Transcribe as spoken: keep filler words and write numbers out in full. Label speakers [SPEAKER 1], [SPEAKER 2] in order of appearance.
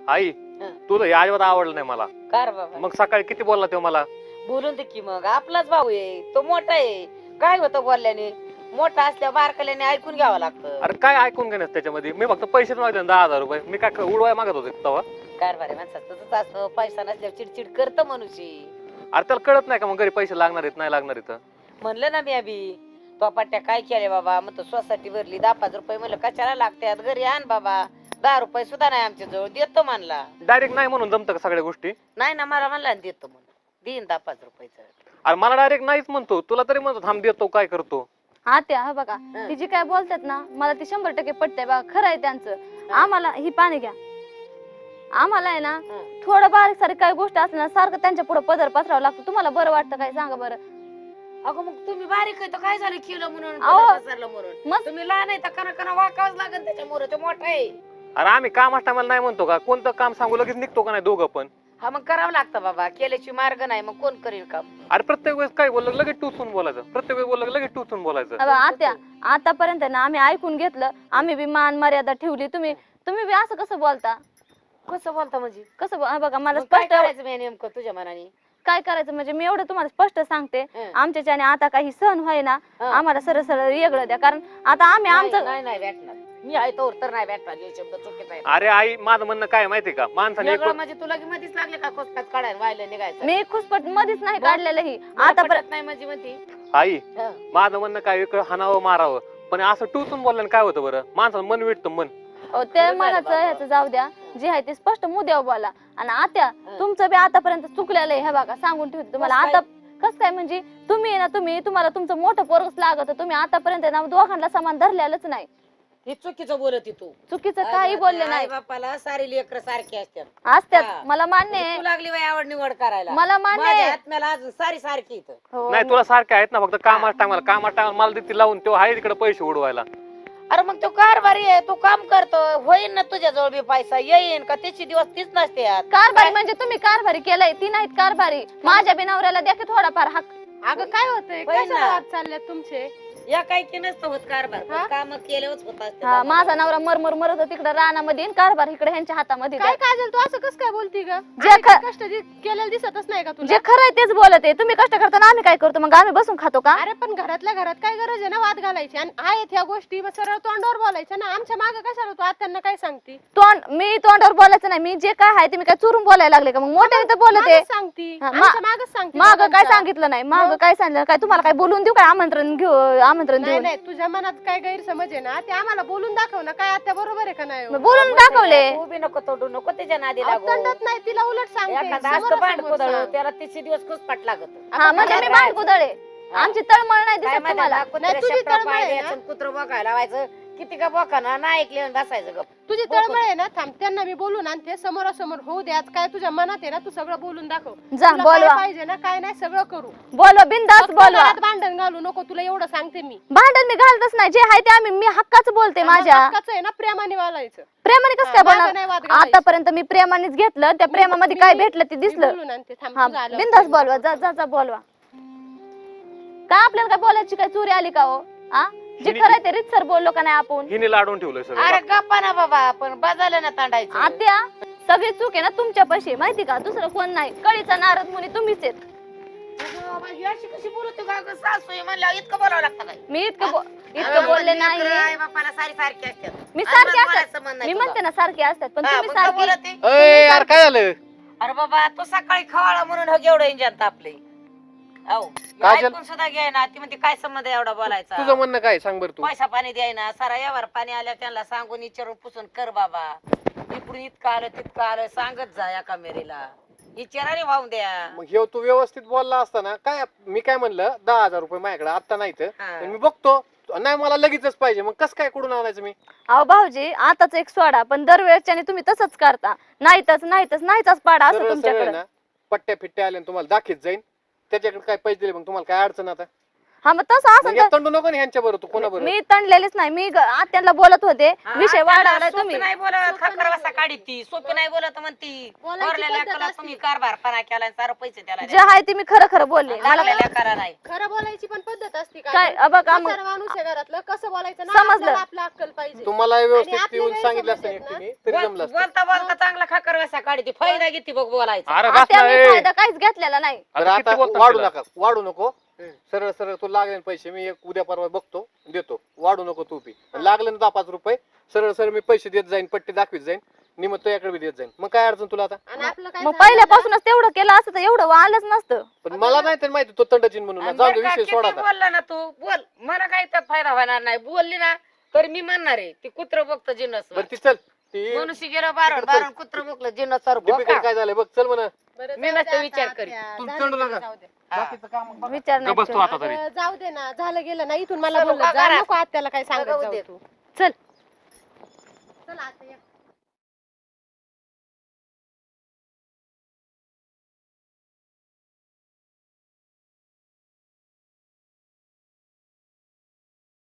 [SPEAKER 1] आई तुला हे अजिबात आवडलं नाही मला.
[SPEAKER 2] कार बाबा
[SPEAKER 1] मग सकाळी किती बोलला तो मला?
[SPEAKER 2] बोलून दे की मग, आपलाच भाऊ आहे तो, मोठा आहे. काय होतं बोलल्याने? मोठा असल्या बारकल्याने ऐकून घ्यावं लागतं.
[SPEAKER 1] अरे काय ऐकून घेण्यास त्याच्यामध्ये? मी फक्त पैसे मागले दहा हजार रुपये. मी काय उडवाय मागत होते तेव्हा?
[SPEAKER 2] कारभार आहे माणसाचं तसंच असतं, पैसा नसल्यावर चिडचिड करतं मनुष्य.
[SPEAKER 1] अरे त्याला कळत नाही का मग घरी पैसे लागणार आहेत नाही लागणार आहेत?
[SPEAKER 2] म्हणलं ना मी अभि, तो पट्ट्या काय केले बाबा, मग तो सोसायटी भरली दहा पाच रुपये, म्हणलं कशाला लागतात, घरी आण बाबा. दहा रुपये सुद्धा नाही आमच्या जवळ, देतो म्हणला.
[SPEAKER 1] डायरेक्ट नाही म्हणून जमतं का सगळ्या गोष्टी?
[SPEAKER 2] नाही ना, मला म्हणला ना देतो म्हणून, देईन दहा पाच रुपयाचं.
[SPEAKER 1] अरे मला डायरेक्ट नाहीच म्हणतो, तुला तरी म्हणतो थांब देतो काय करतो.
[SPEAKER 3] आत्या हा बघा ती जी काय बोलतात ना, मला ती शंभर टक्के पटतंय बघा, खरं आहे त्यांचं. आम्हाला ही पाणी घ्या, आम्हाला आहे ना थोडं बारीक सारीक काही गोष्ट असल्या ना सारखं त्यांच्या पुढे पदर पसरावं लागतं. तुम्हाला बरं वाटतं काय सांगा बरं?
[SPEAKER 2] अगं मग तुम्ही बारीक आहे तर काय झालं, केलं म्हणून
[SPEAKER 3] अहो,
[SPEAKER 2] पदर पसरलं म्हणून?
[SPEAKER 3] मग
[SPEAKER 2] तुम्ही लहान आहे तर कना कना वाकावंच लागेल त्याच्यामुळे, तो मोठा आहे.
[SPEAKER 1] अरे आम्ही काम टायमाला नाही म्हणतो का? कोणतं काम सांगू लगेच निघतो का नाही दोघं पण?
[SPEAKER 2] हा मग करावं लागतं बाबा, केल्याची मार्ग नाही, मग कोण करेल काम?
[SPEAKER 1] अरे प्रत्येक वेळेस काय बोललं लगेच टुचून बोलायचं, प्रत्येक वेळेस बोललं लगेच टुचून बोलायचं.
[SPEAKER 3] अबा, आत्या आतापर्यंत ना आम्ही ऐकून घेतलं, आम्ही बी मान मर्यादा ठेवली. तुम्ही तुम्ही बी असं कसं बोलता?
[SPEAKER 2] कसं बोलता म्हणजे?
[SPEAKER 3] कसं बो- हा बघा मला
[SPEAKER 2] मग काय
[SPEAKER 3] स्पष्ट
[SPEAKER 2] करायचं मी नेमकं तुझ्या मनाने?
[SPEAKER 3] काय करायचं म्हणजे मी एवढं तुम्हाला स्पष्ट सांगते,
[SPEAKER 2] हं.
[SPEAKER 3] आमच्याच्याने आता काही सहन व्हाय ना,
[SPEAKER 2] हं.
[SPEAKER 3] आम्हाला सरळ सरळ वेगळं द्या. कारण आता आम्ही
[SPEAKER 2] नाही
[SPEAKER 3] आमचं
[SPEAKER 2] नाही नाही भेटणार, मी आहे तोवर तर नाही भेटणार. हे शब्द चुकीचा आहे.
[SPEAKER 1] अरे आई माझं म्हणणं काय माहितीये का? माणसाने
[SPEAKER 2] वेगळं
[SPEAKER 1] एक-
[SPEAKER 2] म्हणजे तुला की मध्येच लागले का खोसकाच काढायला व्हायला निघायचं?
[SPEAKER 3] मी खुसपट मध्येच नाही
[SPEAKER 2] मग?
[SPEAKER 3] काढलेलं ही
[SPEAKER 2] मला
[SPEAKER 3] आता
[SPEAKER 2] पटत नाही म्हणजे म्हणती.
[SPEAKER 1] आई
[SPEAKER 2] हं.
[SPEAKER 1] माझं म्हणणं काय, एक हाणावं मारावं, पण असं टुचून बोलल्याने काय होतं बरं? माणसाचं मन विटतं मन.
[SPEAKER 3] अहो, ते
[SPEAKER 2] खरं झालं
[SPEAKER 3] मनाचं
[SPEAKER 2] बाबा.
[SPEAKER 3] ह्याचं जाऊ द्या, जे आहे ते स्पष्ट मुद्द्यावर बोला. आणि आत्या
[SPEAKER 2] हं.
[SPEAKER 3] तुमचं बी आतापर्यंत चुकलेलं आहे, हे बघा सांगून ठेवते तुम्हाला.
[SPEAKER 2] कसं
[SPEAKER 3] आता कसं काय म्हणजे तुम्ही ना तुम्ही तुम्हाला तुमचं मोठं पोरगच लागत, तुम्ही आतापर्यंत ना दोघांना समान धरलेलंच नाही.
[SPEAKER 2] हे चुकीचं बोलत तू.
[SPEAKER 3] चुकीचं काही बोलले नाही.
[SPEAKER 2] बापाला सारी लेकर सारखी असतात.
[SPEAKER 3] असत्यात,
[SPEAKER 2] हा.
[SPEAKER 3] मला मान्य
[SPEAKER 2] तू
[SPEAKER 3] आहे,
[SPEAKER 2] लागली बाई आवड निवड करायला.
[SPEAKER 3] मला मान्य
[SPEAKER 2] माझ्या
[SPEAKER 3] आहे.
[SPEAKER 2] आत्म्याला अजून सारी सारखी इथं.
[SPEAKER 3] हो.
[SPEAKER 1] नाही तुला सारखे आहेत ना, फक्त कामाच्या टायमाला कामाच्या टायमाला मला देते लावून, तो आहे तिकडे पैसे उडवायला.
[SPEAKER 2] अरे मग तो कारभारी आहे, तू काम करतो, होईन ना तुझ्या जवळ बी पैसा येईन का? त्याची दिवस तीच नसते यात.
[SPEAKER 3] कारभारी म्हणजे तुम्ही कारभारी केलंय, ती नाहीत कारभारी. माझ्या बी नवऱ्याला द्या की थोडाफार हक्क.
[SPEAKER 4] अगं काय होतंय,
[SPEAKER 2] होय
[SPEAKER 4] कशाला
[SPEAKER 2] ना.
[SPEAKER 4] वाद चालले तुमचे?
[SPEAKER 2] या काही की नसतं होत कारभार,
[SPEAKER 4] हा?
[SPEAKER 2] काम केल्यावरच होत असते.
[SPEAKER 3] हा, माझा नवरा मरमर मरत तिकडे रानामध्ये आणि कारभार इकडे ह्यांच्या हातामध्ये.
[SPEAKER 4] काय काजल तू असं कसं काय बोलती ग?
[SPEAKER 3] जे
[SPEAKER 4] आम्ही
[SPEAKER 3] ख-
[SPEAKER 4] काय कष्ट दि- केलेलं दिसतच नाही का तुला?
[SPEAKER 3] जे खरं आहे तेच बोलत आहे. तुम्ही कष्ट करताना आम्ही काय करतो मग? आम्ही बसून खातो का?
[SPEAKER 4] अरे पण घरातल्या घरात काय गरज आहे ना वाद घालायची? आणि आहेत ह्या गोष्टी मग सरळ तोंडावर बोलायचं ना. आमच्या मागे कशाला तू आत्यांना काय सांगती?
[SPEAKER 3] तोंड मी तोंडावर बोलायचं नाही, मी जे काय आहे ते मी काय चुरून बोलायला लागले का? मग मोठे तर बोलत आहे.
[SPEAKER 4] मागच सांगती,
[SPEAKER 3] हा, मा-
[SPEAKER 4] आमच्या मागच सांगती.
[SPEAKER 3] माग काय
[SPEAKER 4] दोघांच्या.
[SPEAKER 3] सांगितलं नाही, माग काय सांगितलं काय? तुम्हाला काय बोलून देऊ काय? आमंत्रण घेऊ, आमंत्रण
[SPEAKER 4] नाही
[SPEAKER 3] देऊ.
[SPEAKER 4] नाही, तुझ्या मनात काय गैरसमज आहे ना ते आम्हाला बोलून दाखव ना. काय आत्या बरोबर आहे का नाही हो?
[SPEAKER 3] बोलून दाखवले.
[SPEAKER 2] तू बी नको तोडू, नको त्याच्या नादी
[SPEAKER 4] अहो,
[SPEAKER 2] लागू.
[SPEAKER 4] तंडत नाही तिला, उलट सांगते
[SPEAKER 2] एखादा असतं
[SPEAKER 4] समोरासमोर
[SPEAKER 2] भांड कुदळ,
[SPEAKER 4] सांग.
[SPEAKER 2] त्याला तिसरे दिवस घुसपाट लागत.
[SPEAKER 3] हा म्हणजे मी भांड कुदळे, आमची तळमळ नाही
[SPEAKER 2] काय
[SPEAKER 3] दिसत
[SPEAKER 2] माहिती
[SPEAKER 3] तुम्हाला.
[SPEAKER 2] ना,
[SPEAKER 4] नाही, तुझी
[SPEAKER 2] कुत्र्या
[SPEAKER 4] तळमळ आहे ना?
[SPEAKER 2] कुत्र बघायला लावायचं, किती का बोकाना ना ऐकले बसायचं गप.
[SPEAKER 4] तुझी तळमळ आहे ना, थांब त्यांना मी बोलून आणते. समोरासमोर होऊ द्या. काय तुझ्या मनात आहे ना तू सगळं बोलून दाखव.
[SPEAKER 3] जा
[SPEAKER 4] तुला काय
[SPEAKER 3] बोलवा,
[SPEAKER 4] पाहिजे ना काय नाही सगळं करू.
[SPEAKER 3] बोलवा बिंदास
[SPEAKER 4] फक्त
[SPEAKER 3] बोलवा.
[SPEAKER 4] घरात भांडण घालू नको, तुला एवढं सांगते मी.
[SPEAKER 3] भांडण मी घालतच नाही, जे आहे ते आम्ही मी हक्काच बोलते. माझ्या
[SPEAKER 4] हक्काचं आहे ना, प्रेमाने वालायचं.
[SPEAKER 3] प्रेमाने कसं
[SPEAKER 4] हा,
[SPEAKER 3] काय
[SPEAKER 4] माझं नाही वाद
[SPEAKER 3] बोलणार?
[SPEAKER 4] घालायचं.
[SPEAKER 3] आतापर्यंत मी प्रेमानेच घेतलं, त्या प्रेमामध्ये काय भेटलं ते
[SPEAKER 4] मी
[SPEAKER 3] दिसलं.
[SPEAKER 4] बोलून आणते, थांब,
[SPEAKER 3] हा
[SPEAKER 4] तुझं आलं.
[SPEAKER 3] बिंदास बोलवा, जा जा जा बोलवा. काय आपल्याला काय बोलायची काय चोरी आली का हो? हा, जे
[SPEAKER 1] हिने-
[SPEAKER 3] खरं आहे ते रीतसर बोललो का नाही आपण?
[SPEAKER 1] हिने लाडून ठेवलंय
[SPEAKER 2] अरे
[SPEAKER 1] सगळं.
[SPEAKER 2] गप्पा ना बाबा, पण बजायला ना तांडायचं.
[SPEAKER 3] आत्या सगळी चूक आहे ना तुमच्या पाशी, माहिती का? दुसरं कोण नाही. कळीचा नारद मुनी तुम्हीच आहेत.
[SPEAKER 2] अगं बाबा, ही अशी कशी बोलते का गं? सासू आहे म्हणल्यावर इतकं बोलावं लागतं काय?
[SPEAKER 3] मी इतकं बो-
[SPEAKER 2] अगं,
[SPEAKER 3] इतकं बोलले
[SPEAKER 2] लेकरं
[SPEAKER 3] नाही.
[SPEAKER 2] आई बापाला सारी सारखी असतात.
[SPEAKER 3] मी
[SPEAKER 2] अजिबात
[SPEAKER 3] सारखे
[SPEAKER 2] बोलायचं
[SPEAKER 3] असतात,
[SPEAKER 2] मन
[SPEAKER 3] मी
[SPEAKER 2] नाही
[SPEAKER 3] म्हणते
[SPEAKER 2] तुझं.
[SPEAKER 3] ना सारखे असतात, पण
[SPEAKER 2] हा,
[SPEAKER 3] तुम्ही
[SPEAKER 2] मग का
[SPEAKER 3] सारखे.
[SPEAKER 2] बोलते?
[SPEAKER 1] अय यार काय झालं?
[SPEAKER 2] अरे बाबा, तो सकाळी खवाळा म्हणून हो एवढं इंजन तापले. अहो,
[SPEAKER 1] काजल-
[SPEAKER 2] ऐकून सुद्धा घ्याय ना. ती म्हणते काय संबंध आहे एवढा बोलायचा?
[SPEAKER 1] तुझं म्हणणं काय सांग बरं तू.
[SPEAKER 2] पैसा पाणी द्याय ना, सारा यावर पाणी आल्या त्यांना सांगून विचारून पुसून कर बाबा. इकडून इतकं आलं तितकं आलं सांगत जा एका मेरीला. विचाराने वाहून द्या.
[SPEAKER 5] मग हे तू व्यवस्थित बोलला असताना काय मी काय म्हणलं दहा हजार रुपये माझ्याकडे आता नाही तर
[SPEAKER 2] हा.
[SPEAKER 5] पण मी बघतो नाही मला लगेचच पाहिजे मग कसं काय कुठून आणायचं मी
[SPEAKER 3] अहो भाऊजी आताच एक सोडा, पण दरवेळेसच्याने तुम्ही तसंच करता. नाहीतच नाहीतच नाहीच पाडा असं
[SPEAKER 5] सरळ सरळ
[SPEAKER 3] तुमच्याकडे.
[SPEAKER 5] ना पट्ट्या फिट्ट्या आल्या आणि तुम्हाला दाखीत जाईन त्याच्याकडे काय पैसे दिले मग तुम्हाला काय अडचण आता
[SPEAKER 3] हा मग तसं
[SPEAKER 5] मग
[SPEAKER 3] असं
[SPEAKER 5] या तंडू नको ना ह्यांच्या बरोबर तू कोणा बरोबर
[SPEAKER 3] मी तणलेलीच नाही मी ग- आत्यांना बोलत होते
[SPEAKER 2] हा,
[SPEAKER 3] विषय
[SPEAKER 2] त्याला
[SPEAKER 3] वाढवलाय
[SPEAKER 2] सोपी
[SPEAKER 3] तुम्ही
[SPEAKER 2] नाही बोलत खकर वासा काढी ती सोपी नाही बोलत म्हणती
[SPEAKER 4] बोलायची
[SPEAKER 2] थोरल्या
[SPEAKER 4] पद्धत
[SPEAKER 2] लेकाला
[SPEAKER 4] असते.
[SPEAKER 2] तुम्ही कारभारपणा केला सारं पैसे त्याला
[SPEAKER 3] जे आहे ते मी खरं खरं बोलले मला
[SPEAKER 2] लागल्या लेकाला नाही
[SPEAKER 4] खरं बोलायची पण पद्धत असते का
[SPEAKER 3] काय अ बघा मग
[SPEAKER 4] म्हातारा माणूस आहे घरातलं कसं बोलायचं ना
[SPEAKER 3] समजलं.
[SPEAKER 4] आपल्याला आपलं अक्कल पाहिजे
[SPEAKER 5] तुम्हाला व्यवस्थित
[SPEAKER 4] आणि आपल्या
[SPEAKER 5] येऊन सांगितलं असतं
[SPEAKER 4] गैरसमज
[SPEAKER 5] एकटीने
[SPEAKER 4] आहेत
[SPEAKER 5] तरी
[SPEAKER 2] बोल-
[SPEAKER 5] जमलं असतं.
[SPEAKER 2] बोलता बोलता चांगला खकर वासा काढी ती फायदा घेते बघ बोलायचा
[SPEAKER 1] अरे
[SPEAKER 3] आत्या
[SPEAKER 1] बस
[SPEAKER 3] मी
[SPEAKER 1] ना, ए.
[SPEAKER 3] फायदा काहीच घेतलेला नाही
[SPEAKER 5] बरं
[SPEAKER 1] आता
[SPEAKER 5] आता
[SPEAKER 1] किती बोलतो
[SPEAKER 5] वाढू
[SPEAKER 1] तिला?
[SPEAKER 5] नका वाढू नको
[SPEAKER 2] हम्म.
[SPEAKER 5] सरळ सरळ तू लागले पैसे मी एक उद्या परवा बघतो देतो वाढू नको तू बी लागले ना दहा पाच रुपये सरळ सरळ मी पैसे देत जाईन पट्टी दाखवीत जाईन निमत तुझ्याकडे बी देत जाईन मग काय अडचण तुला आता
[SPEAKER 4] आणि आपलं काय
[SPEAKER 3] मग
[SPEAKER 4] झालं
[SPEAKER 3] पहिल्यापासूनच तेवढं केलं असतं तर एवढं आलंच नसतं
[SPEAKER 5] पण मला नाही तर माहिती तो तंडचिन म्हणून
[SPEAKER 2] आणि
[SPEAKER 5] जाऊ दे
[SPEAKER 2] बरं का,
[SPEAKER 5] विषय सोडा
[SPEAKER 2] किती
[SPEAKER 5] आता.
[SPEAKER 2] बोलला ना तू बोल मला काही त्यात फायदा होणार नाही बोलली ना तर मी म्हणणार आहे ती कुत्र बघतं जिन्नस
[SPEAKER 5] बरं ती चल ती
[SPEAKER 2] मनुष्य गेलं बारण बारण कुत्र बघलं जिन्नस सर
[SPEAKER 5] दीपिका काय झालंय बघ चल म्हणा
[SPEAKER 4] बरं,
[SPEAKER 2] मी
[SPEAKER 4] जाऊ
[SPEAKER 2] नसतं
[SPEAKER 4] दे
[SPEAKER 2] विचार
[SPEAKER 4] आता,
[SPEAKER 2] करीत.
[SPEAKER 4] आत्या,
[SPEAKER 5] तू
[SPEAKER 4] झालं
[SPEAKER 5] तंडू
[SPEAKER 4] गेलं,
[SPEAKER 5] नका.
[SPEAKER 4] जाऊ दे.
[SPEAKER 5] बाकीचं काम
[SPEAKER 3] विचार नाही
[SPEAKER 1] बसतो
[SPEAKER 3] ठेवला.
[SPEAKER 1] आता तरी
[SPEAKER 4] अं, जाऊ दे ना झालं गेलं ना इथून मला
[SPEAKER 2] चल,
[SPEAKER 4] बोललं
[SPEAKER 2] उभा
[SPEAKER 4] जा
[SPEAKER 2] करा.
[SPEAKER 4] नको आत्याला काय सांगत
[SPEAKER 2] बघू
[SPEAKER 4] जाऊ
[SPEAKER 2] दे.
[SPEAKER 4] तू
[SPEAKER 3] चल